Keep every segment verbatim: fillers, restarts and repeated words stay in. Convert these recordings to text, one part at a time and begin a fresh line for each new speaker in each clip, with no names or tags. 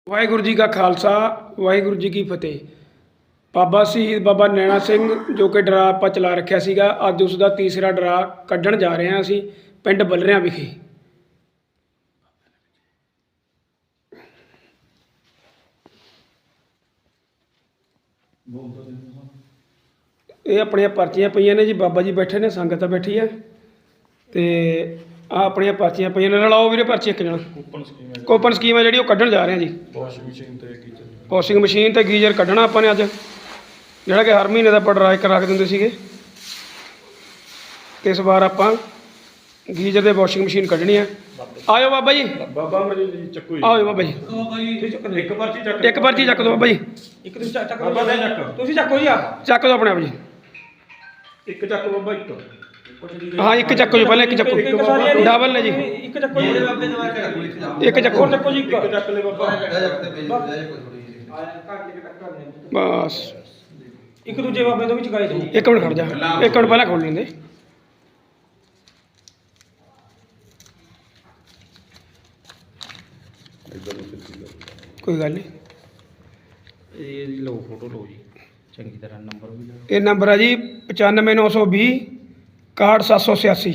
ਵਾਹਿਗੁਰੂ ਜੀ ਕਾ ਖਾਲਸਾ ਵਾਹਿਗੁਰੂ ਜੀ ਕੀ ਫਤਿਹ। ਬਾਬਾ ਸ਼ਹੀਦ ਬਾਬਾ ਨੈਣਾ ਸਿੰਘ ਜੋ ਕਿ ਡਰਾ ਆਪਾਂ ਚਲਾ ਰੱਖਿਆ ਸੀਗਾ, ਅੱਜ ਉਸ ਦਾ ਤੀਸਰਾ ਡਰਾ ਕੱਢਣ ਜਾ ਰਹੇ ਹਾਂ ਅਸੀਂ ਪਿੰਡ ਬੱਲਰਿਆਂ ਵਿਖੇ। ਇਹ ਆਪਣੀਆਂ ਪਰਚੀਆਂ ਪਈਆਂ ਨੇ ਜੀ, ਬਾਬਾ ਜੀ ਬੈਠੇ ਨੇ, ਸੰਗਤ ਬੈਠੀ ਹੈ ਤੇ ਆ ਆਪਣੀਆਂ ਪਰਚੀਆਂ ਪਈਆਂ ਨੇ। ਰਲਾਓ ਵੀਰੇ ਪਰਚੀ ਇੱਕ ਜਣਾ। ਕੂਪਨ ਸਕੀਮ ਹੈ ਕੂਪਨ ਸਕੀਮ ਹੈ ਜਿਹੜੀ ਉਹ ਕੱਢਣ ਜਾ ਰਹੇ ਹਾਂ ਜੀ। ਵਾਸ਼ਿੰਗ ਮਸ਼ੀਨ ਤੇ ਗੀਜ਼ਰ ਵਾਸ਼ਿੰਗ ਮਸ਼ੀਨ ਤੇ ਗੀਜ਼ਰ ਕੱਢਣਾ ਆਪਾਂ ਨੇ ਅੱਜ, ਜਿਹੜਾ ਕਿ ਹਰ ਮਹੀਨੇ ਦਾ ਆਪਾਂ ਡਰਾ ਇੱਕ ਰੱਖ ਦਿੰਦੇ ਸੀਗੇ। ਇਸ ਵਾਰ ਆਪਾਂ ਗੀਜ਼ਰ ਦੇ ਵਾਸ਼ਿੰਗ ਮਸ਼ੀਨ ਕੱਢਣੀ ਆ। ਆਇਓ ਬਾਬਾ ਜੀ। ਬਾਬਾ ਜੀ ਚੱਕੋ ਜੀ। ਆਓ ਬਾਬਾ ਜੀ। ਇੱਕ ਪਰਚੀ ਚੱਕ ਇੱਕ ਪਰਚੀ ਚੱਕ ਦਿਓ ਬਾਬਾ ਜੀ। ਇੱਕ ਤੁਸੀਂ ਚੱਕ ਬਾਬਾ ਦੇ ਚੱਕ ਤੁਸੀਂ ਚੱਕੋ ਜੀ। ਆ ਚੱਕ ਦਿਓ ਆਪਣੇ ਆਪ ਜੀ। ਇੱਕ ਚੱਕ ਬਾਬਾ ਇੱਕ। हाँ एक चक्को जी, पहले एक चक्को डबल ने जी। एक चक्को जी, एक चक्को चक्को जी, एक चक ले बाबा बस। एक दूजे बाबे तो भी चुकाए दो। एक मिनट खड़ जा, एक मिनट पहले खोल लेंगे। कोई गल नहीं, ये लो फोटो लो जी चंगी तरह। नंबर भी ये नंबर है जी पचानवे नौ सौ भी इकाहठ सत्त सौ छियासी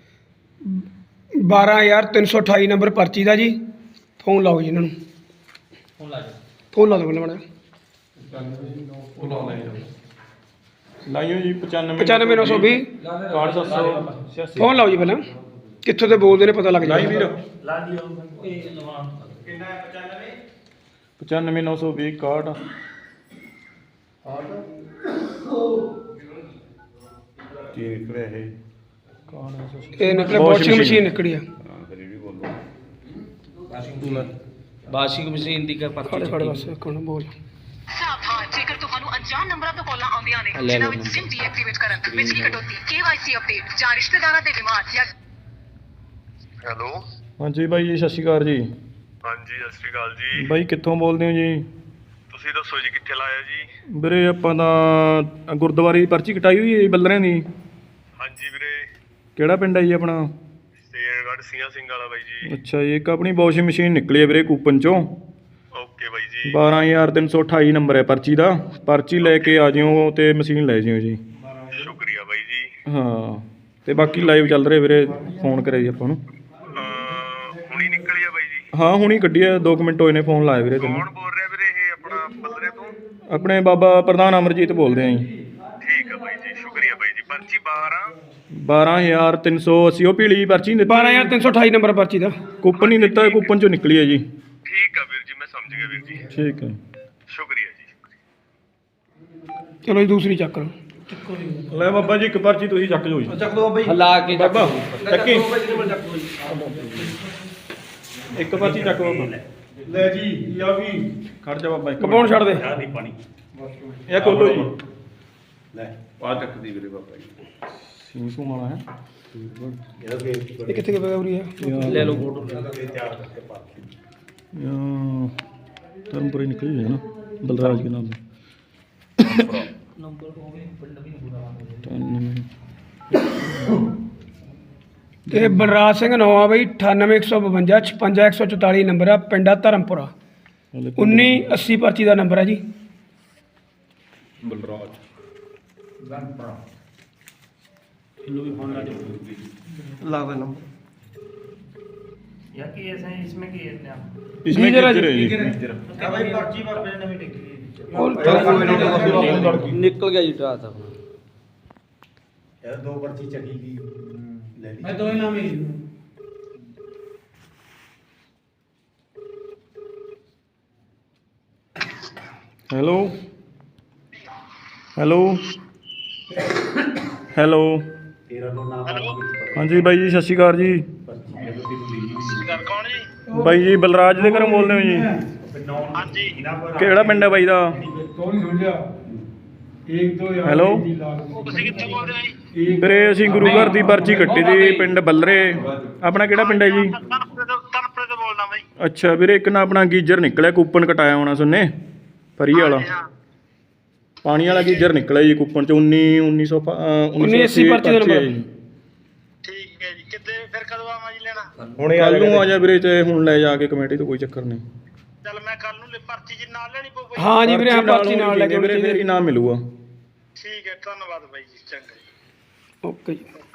बारह हज़ार तीन सौ अठाई नंबर पर्ची का जी। फोन लाओ जी इन्होंने, फोन ला दो पहले मैडम।
लाइयो जी पचानवे
पचानवे नौ सौ भी
इकाहठ सत्त सौ छियासी।
फोन लाओ जी पहले, कितों तो बोलते ने पता लग जाए।
पचानवे नौ सौ भी इकाहठ ਕੀ ਨਿਕਲਿਆ ਇਹ ਕੌਣ ਹੈ?
ਇਹ ਨਿਕਲਿਆ ਵਾਸ਼ਿੰਗ ਮਸ਼ੀਨ ਨਿਕਲੀ ਆ।
ਹਾਂ ਫਿਰ ਇਹ ਵੀ ਬੋਲੋ।
ਵਾਸ਼ਿੰਗ ਮਸ਼ੀਨ ਦੀ ਕਰ
ਖੜੇ ਖੜੇ ਬਸ ਕੋਣ ਬੋਲ।
ਸਾਵਧਾਨ, ਜੇਕਰ ਤੁਹਾਨੂੰ ਅਣਜਾਣ ਨੰਬਰਾਂ ਤੋਂ ਕਾਲਾਂ ਆਉਂਦੀਆਂ ਨੇ ਜਿਨ੍ਹਾਂ ਵਿੱਚ ਸਿਮ ਡੀਐਕਟੀਵੇਟ ਕਰਨ, ਬਿਜਲੀ ਕਟੌਤੀ, ਕੇਵਾਈਸੀ ਅਪਡੇਟ ਜਾਂ ਰਿਸ਼ਤੇਦਾਰਾਂ ਦੇ ਬਿਮਾਰ ਜਾਂ
ਹੈਲੋ
ਹਾਂਜੀ ਬਾਈ ਜੀ, ਸਤਿ ਸ਼੍ਰੀ ਅਕਾਲ ਜੀ।
ਹਾਂਜੀ ਸਤਿ ਸ਼੍ਰੀ ਅਕਾਲ ਜੀ।
ਬਾਈ ਕਿੱਥੋਂ ਬੋਲਦੇ ਹੋ ਜੀ?
ਤੁਸੀਂ ਦੱਸੋ ਜੀ ਕਿੱਥੇ ਲਾਇਆ ਜੀ?
ਵੀਰੇ ਆਪਾਂ ਤਾਂ ਗੁਰਦੁਆਰੇ ਦੀ ਪਰਚੀ ਕਟਾਈ ਹੋਈ ਹੈ ਬੱਲਰਿਆਂ ਦੀ।
ਹਾਂਜੀ ਵੀਰੇ।
ਕਿਹੜਾ ਪਿੰਡ ਹੈ ਜੀ ਆਪਣਾ?
ਸ਼ੇਰਗੜ੍ਹ ਸਿੰਘਾਂ ਸਿੰਘ ਵਾਲਾ ਬਾਈ ਜੀ।
ਅੱਛਾ ਜੀ, ਇੱਕ ਆਪਣੀ ਵਾਸ਼ਿੰਗ ਮਸ਼ੀਨ ਨਿਕਲੀ ਹੈ ਵੀਰੇ ਕੂਪਨ ਚੋਂ।
ਓਕੇ ਬਾਈ ਜੀ।
ਬਾਰਾਂ ਹਜ਼ਾਰ ਤਿੰਨ ਸੌ ਅਠਾਈ ਨੰਬਰ ਹੈ ਪਰਚੀ ਦਾ। ਪਰਚੀ ਲੈ ਕੇ ਆ ਜਿਓ ਤੇ ਮਸ਼ੀਨ ਲੈ ਜਿਓ ਜੀ।
ਸ਼ੁਕਰੀਆ ਬਾਈ ਜੀ।
ਹਾਂ ਤੇ ਬਾਕੀ ਲਾਈਵ ਚੱਲ ਰਿਹਾ ਵੀਰੇ, ਫੋਨ ਕਰਿਆ ਜੀ ਆਪਾਂ ਨੂੰ।
ਅਹ, ਹੁਣੀ ਨਿਕਲੀ ਆ ਬਾਈ ਜੀ?
ਹਾਂ ਹੁਣੀ ਕੱਢੀ ਆ, ਦੋ ਕੁ ਮਿੰਟ ਹੋਏ ਨੇ ਫੋਨ ਲਾਇਆ ਵੀਰੇ ਤੈਨੂੰ।
ਕੌਣ ਬੋਲ ਰਿਹਾ ਵੀਰੇ? ਇਹ ਆਪਣਾ ਬੱਲਰੇ ਤੋਂ?
ਆਪਣੇ ਬਾਬਾ ਪ੍ਰਧਾਨ ਅਮਰਜੀਤ ਬੋਲਦੇ ਆਂ ਜੀ।
ਠੀਕ ਆ ਬਾਈ ਜੀ, ਸ਼ੁਕਰੀਆ ਬਾਈ ਜੀ। ਪਰਚੀ ਬਾਰਾਂ
ਬਾਰਾਂ ਹਜ਼ਾਰ ਤਿੰਨ ਸੌ ਅੱਸੀ ਉਹ ਪੀਲੀ ਪਰਚੀ ਦਿੱਤੀ।
ਬਾਰਾਂ ਹਜ਼ਾਰ ਤਿੰਨ ਸੌ ਅਠਾਈ ਨੰਬਰ ਪਰਚੀ ਦਾ
ਕੂਪਨ ਨਹੀਂ ਦਿੱਤਾ, ਕੂਪਨ ਚੋਂ ਨਿਕਲੀ ਹੈ ਜੀ।
ਠੀਕ ਆ ਵੀਰ ਜੀ, ਮੈਂ ਸਮਝ ਗਿਆ ਵੀਰ ਜੀ।
ਠੀਕ ਹੈ,
ਸ਼ੁਕਰੀਆ ਜੀ।
ਚਲੋ ਜੀ ਦੂਸਰੀ ਚੱਕ ਲਓ।
ਲੈ ਬਾਬਾ ਜੀ ਇੱਕ ਪਰਚੀ ਤੁਸੀਂ ਚੱਕ ਜਾਓ ਜੀ।
ਚੱਕ ਦੋ ਬਾਬਾ ਜੀ, ਹਿਲਾ ਕੇ
ਬਾਬਾ ਚੱਕੀ ਇੱਕ ਪਰਚੀ ਚੱਕ ਬਾਬਾ। ਲੈ ਜੀ ਆ ਵੀ ਖੜ ਜਾ ਬਾਬਾ। ਇੱਕ
ਕਪਾਉਣ ਛੱਡ ਦੇ।
ਨਹੀਂ ਪਾਣੀ ਇਹ ਖੋਲੋ ਜੀ।
ਲੈ ਆ ਚੱਕਦੀ ਵੀਰੇ ਬਾਬਾ ਜੀ।
ਸਿੰਘ ਤੋਂ ਵਾਲਾ ਹੈ
ਇਹ ਕਿੱਥੇ ਗਿਆ ਉਰੀ ਹੈ?
ਲੈ ਲਓ ਫੋਟੋ।
ਧਰਮਪੁਰੇ ਨਿਕਲੀ ਹੋਈ ਹੈ ਨਾ ਬਲਰਾਜ ਕੇ ਨਾਮ
ਨੰਬਰ ਹੋ ਗਏ ਪਿੰਡ ਵੀ ਪੂਰਾ।
ਇਹ ਬਲਰਾਜ ਸਿੰਘ ਨਵਾਂ ਬਈ ਅਠਾਨਵੇਂ ਇੱਕ ਸੌ ਬਵੰਜਾ ਛਪੰਜਾ ਇੱਕ ਸੌ ਚੁਤਾਲੀ ਨੰਬਰ ਆ, ਪਿੰਡ ਆ ਧਰਮਪੁਰਾ। ਉੱਨੀ ਅੱਸੀ ਪਰਚੀ ਦਾ ਨੰਬਰ ਹੈ ਜੀ।
ਬਲਰਾਜ
लावे नंबर या कि ऐसा है, इसमें की है क्या?
इसमें
गीजर है
गीजर है
जी,
जी।
भाई पर्ची पर अपने नवी टिकी
और
निकल गया जी डरा था
यार। दो पर्ची चढ़ी की ले ली।
मैं दो ही नाम ही
ਹੈਲੋ ਹੈਲੋ ਹੈਲੋ
तेरा तो नाम
ਹਾਂਜੀ ਬਾਈ ਜੀ, ਸਤਿ ਸ਼੍ਰੀ ਅਕਾਲ ਜੀ।
ਸਰ ਕੌਣ ਜੀ?
ਬਾਈ ਜੀ ਬਲਰਾਜ ਦੇ ਘਰੋਂ ਬੋਲਦੇ ਹੋ ਜੀ?
ਹਾਂਜੀ।
ਕਿਹੜਾ ਪਿੰਡ ਹੈ ਬਾਈ ਦਾ? ਹੈਲੋ
ਤੁਸੀਂ ਕਿੱਥੋਂ ਬੋਲਦੇ ਹੋ ਜੀ?
ਵੀਰੇ ਅਸੀਂ ਗੁਰੂ ਘਰ ਦੀ ਪਰਚੀ ਕੱਟੀ ਦੀ ਪਿੰਡ ਬੱਲਰੇ। ਆਪਣਾ ਕਿਹੜਾ ਪਿੰਡ ਹੈ ਜੀ?
ਤਨਪੁਰੇ ਤੋਂ ਤਨਪੁਰੇ ਤੋਂ ਬੋਲਦਾ ਬਾਈ।
ਅੱਛਾ ਵੀਰੇ, ਇੱਕ ਨਾ ਆਪਣਾ ਗੀਜਰ ਨਿਕਲਿਆ, ਕੂਪਨ ਕਟਾਇਆ ਹੋਣਾ ਸੁਣਨੇ ਫਰੀ ਵਾਲਾ। ਪਾਣੀ ਵਾਲਾ ਗੀਜਰ ਨਿਕਲਿਆ ਜੀ ਕੂਪਨ ਚ ਉੱਨੀ ਉੱਨੀ ਸੌ
ਉੱਨੀ ਅੱਸੀ ਪਰਚੀ ਦਾ ਨੰਬਰ।
ਠੀਕ ਹੈ ਜੀ। ਕਿੱਦੇ ਫਿਰ ਕਦੋਂ ਆਵਾਂ ਜੀ ਲੈਣਾ?
ਹੁਣ ਕੱਲ ਨੂੰ ਆ ਜਾ ਵੀਰੇ, ਤੇ ਹੁਣ ਲੈ ਜਾ ਕੇ ਕਮੇਟੀ ਤੋਂ, ਕੋਈ ਚੱਕਰ ਨਹੀਂ।
ਚੱਲ ਮੈਂ ਕੱਲ ਨੂੰ ਲਿ- ਪਰਚੀ ਜੀ ਨਾਲ ਲੈਣੀ ਪਊ ਬਾਈ।
ਹਾਂ ਜੀ ਵੀਰੇ, ਹਾਂ ਪਰਚੀ ਨਾਲ ਲੈ ਕੇ
ਵੀਰੇ ਫਿਰ ਇਨਾਮ ਮਿਲੂਗਾ।
ਠੀਕ ਹੈ, ਧੰਨਵਾਦ ਬਾਈ ਜੀ, ਚੰਗਾ ਜੀ।
ਓਕੇ ਜੀ।